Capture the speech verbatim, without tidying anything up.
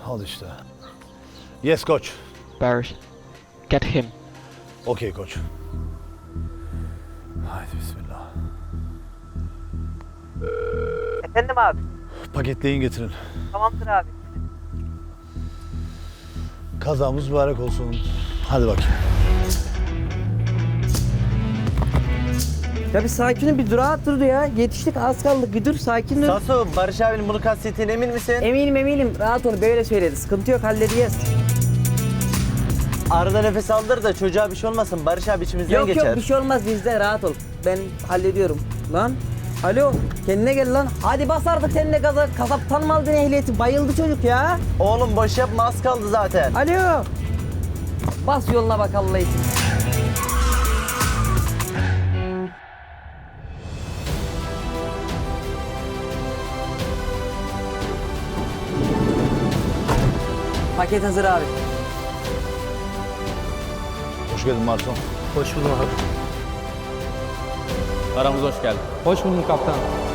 Al işte. Yes coach. Barış, get him. Okay coach. Haydi bismillah. Efendim abi. Paketleyin getirin. Tamamdır abi. Kazamız mübarek olsun. Hadi bakayım. Ya bir sakin ol, bir durağa dur ya. Yetiştik, az kaldık. Bir dur, sakin ol. Sasu, Barış abinin bunu kastettiğine emin misin? Eminim eminim. Rahat ol, böyle söyledi. Sıkıntı yok, halledeceğiz. Arada nefes aldır da çocuğa bir şey olmasın. Barış abi içimizden Yok geçer. yok, bir şey olmaz bizde. Rahat ol. Ben hallediyorum. Lan, alo. Kendine gel lan. Hadi bas artık sen de gaza. Kasaptan mı aldın ehliyeti? Bayıldı çocuk ya. Oğlum boş yapma, az kaldı zaten. Alo. Bas yoluna bak Allah için. Paket hazır abi. Hoş geldin Marson. Hoş buldum abi. Aramıza hoş geldin. Hoş buldum kaptan.